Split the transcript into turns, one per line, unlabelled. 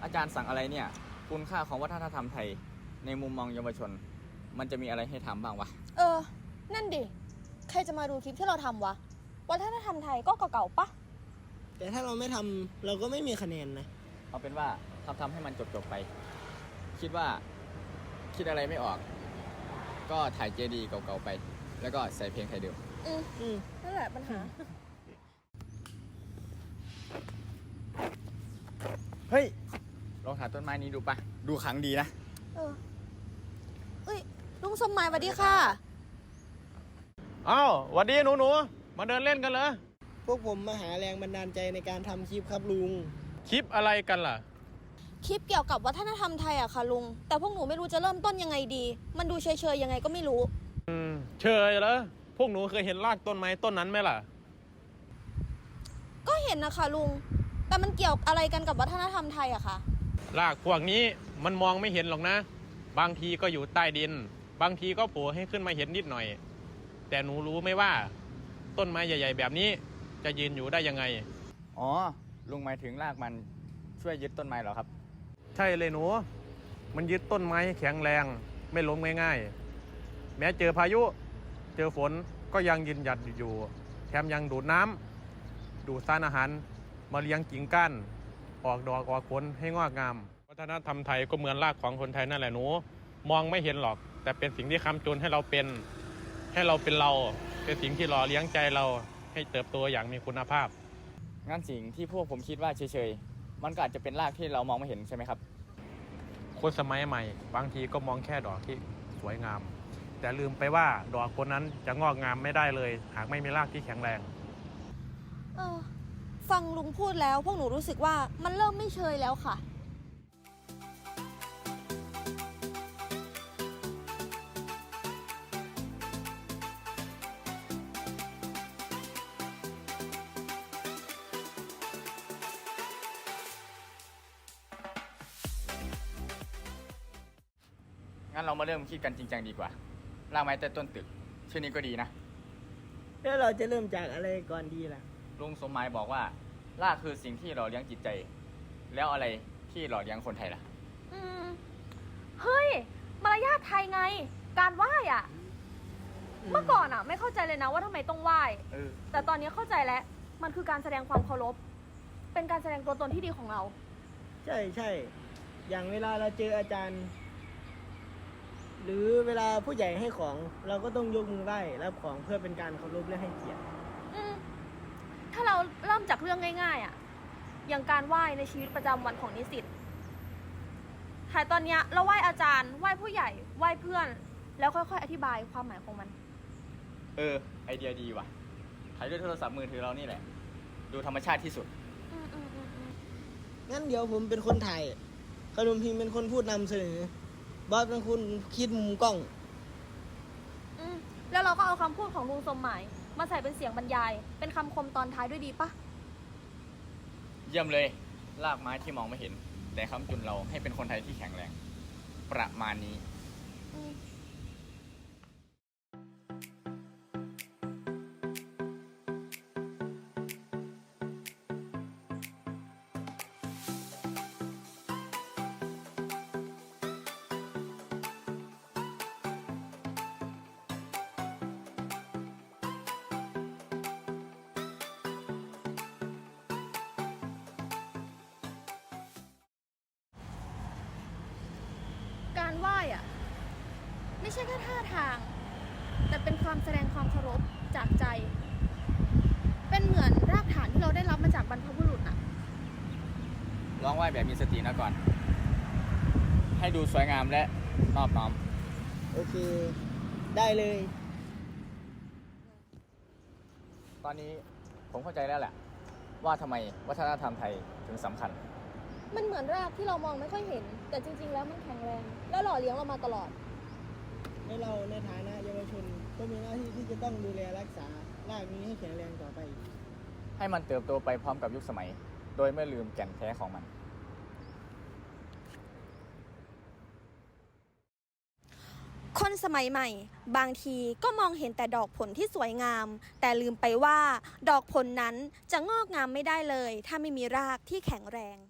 อาจารย์สั่งอะไรเนี่ยคุณค่าของวัฒนธรรมไทยในมุมมองเยาวชนมันจะมีอะไรให้ทำบ้างวะ
นั่นดิใครจะมาดูคลิปที่เราทำวะวัฒนธรรมไทยก็เก่าๆปะ
แต่ถ้าเราไม่ทำเราก็ไม่มีคะแนนนะ
เอาเป็นว่าทำให้มันจบไปคิดว่าคิดอะไรไม่ออกก็ถ่ายเจดีเก่าๆไปแล้วก็ใส่เพลงไทยเดิม
นั่นแหละปัญหา
เฮ้ยลองถ่ายต้นไม้นี้ดูปะดูขลังดีนะ
ลุงสมหมายสวัสดีค่ะ
อ้าวสวัสดีหนูมาเดินเล่นกันเหรอ
พวกผมมาหาแรงบันดาลใจในการทำคลิปครับลุง
คลิปอะไรกันล่ะ
คลิปเกี่ยวกับวัฒนธรรมไทยอะค่ะลุงแต่พวกหนูไม่รู้จะเริ่มต้นยังไงดีมันดูเฉยๆยังไงก็ไม่รู้
เชยเหรอพวกหนูเคยเห็นรากต้นไม้ต้นนั้นไหมล่ะ
ก็เห็นนะคะลุงแต่มันเกี่ยวอะไรกันกับวัฒนธรรมไทยอะคะ
รากพวกนี้มันมองไม่เห็นหรอกนะบางทีก็อยู่ใต้ดินบางทีก็โผล่ให้ขึ้นมาเห็นนิดหน่อยแต่หนูรู้ไหมว่าต้นไม้ใหญ่ๆแบบนี้จะยืนอยู่ได้ยังไง
อ๋อลุงหมายถึงรากมันช่วยยึดต้นไม้เหรอครับ
ใช่เลยหนูมันยึดต้นไม้แข็งแรงไม่ล้มง่ายๆแม้เจอพายุเจอฝนก็ยังยืนหยัดอยู่แถมยังดูดน้ำดูดสารอาหารมาเลี้ยงกิ่งก้านออกดอกออกผลให้งอกงามวัฒนธรรมไทยก็เหมือนรากของคนไทยนั่นแหละหนูมองไม่เห็นหรอกแต่เป็นสิ่งที่ค้ำจุนให้เราเป็นเราเป็นสิ่งที่หล่อเลี้ยงใจเราให้เติบโตอย่างมีคุณภาพ
งั้นสิ่งที่พวกผมคิดว่าเฉยๆมันก็อาจจะเป็นรากที่เรามองไม่เห็นใช่ไหมครับ
คนสมัยใหม่บางทีก็มองแค่ดอกที่สวยงามแต่ลืมไปว่าดอกคนนั้นจะงอกงามไม่ได้เลยหากไม่มีรากที่แข็งแรง
ฟังลุงพูดแล้วพวกหนูรู้สึกว่ามันเริ่มไม่เชยแล้วค่ะ
งั้นเรามาเริ่มคิดกันจริงจังดีกว่ารากไม้ใต้ต้นตึกชื่อนี้ก็ดีนะ
แล้วเราจะเริ่มจากอะไรก่อนดีล่ะ
ลุงสมหมายบอกว่ารากคือสิ่งที่หล่อเลี้ยงจิตใจแล้วอะไรที่หล่อเลี้ยงคนไทยล่ะ
เฮ้ยมารยาทไทยไงการไหว้อ่ะเมื่อก่อนอ่ะไม่เข้าใจเลยนะว่าทำไมต้องไหว้แต่ตอนนี้เข้าใจแล้วมันคือการแสดงความเคารพเป็นการแสดงตัวตนที่ดีของเรา
ใช่อย่างเวลาเราเจออาจารย์หรือเวลาผู้ใหญ่ให้ของเราก็ต้องยกมือไหว้รับของเพื่อเป็นการเคารพและให้เกียรติ
ถ้าเราเริ่มจากเรื่องง่ายๆอ่ะอย่างการไหว้ในชีวิตประจำวันของนิสิตถ่ายตอนเนี้ยเราไหว้อาจารย์ไหว้ผู้ใหญ่ไหว้เพื่อนแล้วค่อยๆอธิบายความหมายของมัน
ไอเดียดีว่ะถ่ายด้วยโทรศัพท์มือถือเรานี่แหละดูธรรมชาติที่สุด
งั้นเดี๋ยวผมเป็นคนถ่ายขนมพิมพ์เป็นคนพูดนำเสนอบอสเป็นคนคิดมุมกล้อง
แล้วเราก็เอาคำพูดของลุงสมหมายมาใส่เป็นเสียงบรรยายเป็นคำคมตอนท้ายด้วยดีปะ
เยี่ยมเลยรากไม้ที่มองไม่เห็นแต่ค้ำจุนเราให้เป็นคนไทยที่แข็งแรงประมาณนี้
การไหว้อะไม่ใช่แค่ท่าทางแต่เป็นความแสดงความเคารพจากใจเป็นเหมือนรากฐานที่เราได้รับมาจากบรรพบุรุษอะ
ลองไหว้แบบมีสตินะก่อนให้ดูสวยงามและนอบน้อม
โอเคได้เลย
ตอนนี้ผมเข้าใจแล้วแหละว่าทำไมวัฒนธรรมไทยถึงสำคัญ
มันเหมือนรากที่เรามองไม่ค่อยเห็นแต่จริงๆแล้วมันแข็งแรงและหล่อเลี้ยงเรามาตลอด
และเราในฐานะเยาวชนก็มีหน้าที่ที่จะต้องดูแลรักษารากนี้ให้แข็งแรงต่อไป
ให้มันเติบโตไปพร้อมกับยุคสมัยโดยไม่ลืมแก่นแท้ของมัน
คนสมัยใหม่บางทีก็มองเห็นแต่ดอกผลที่สวยงามแต่ลืมไปว่าดอกผลนั้นจะงอกงามไม่ได้เลยถ้าไม่มีรากที่แข็งแรง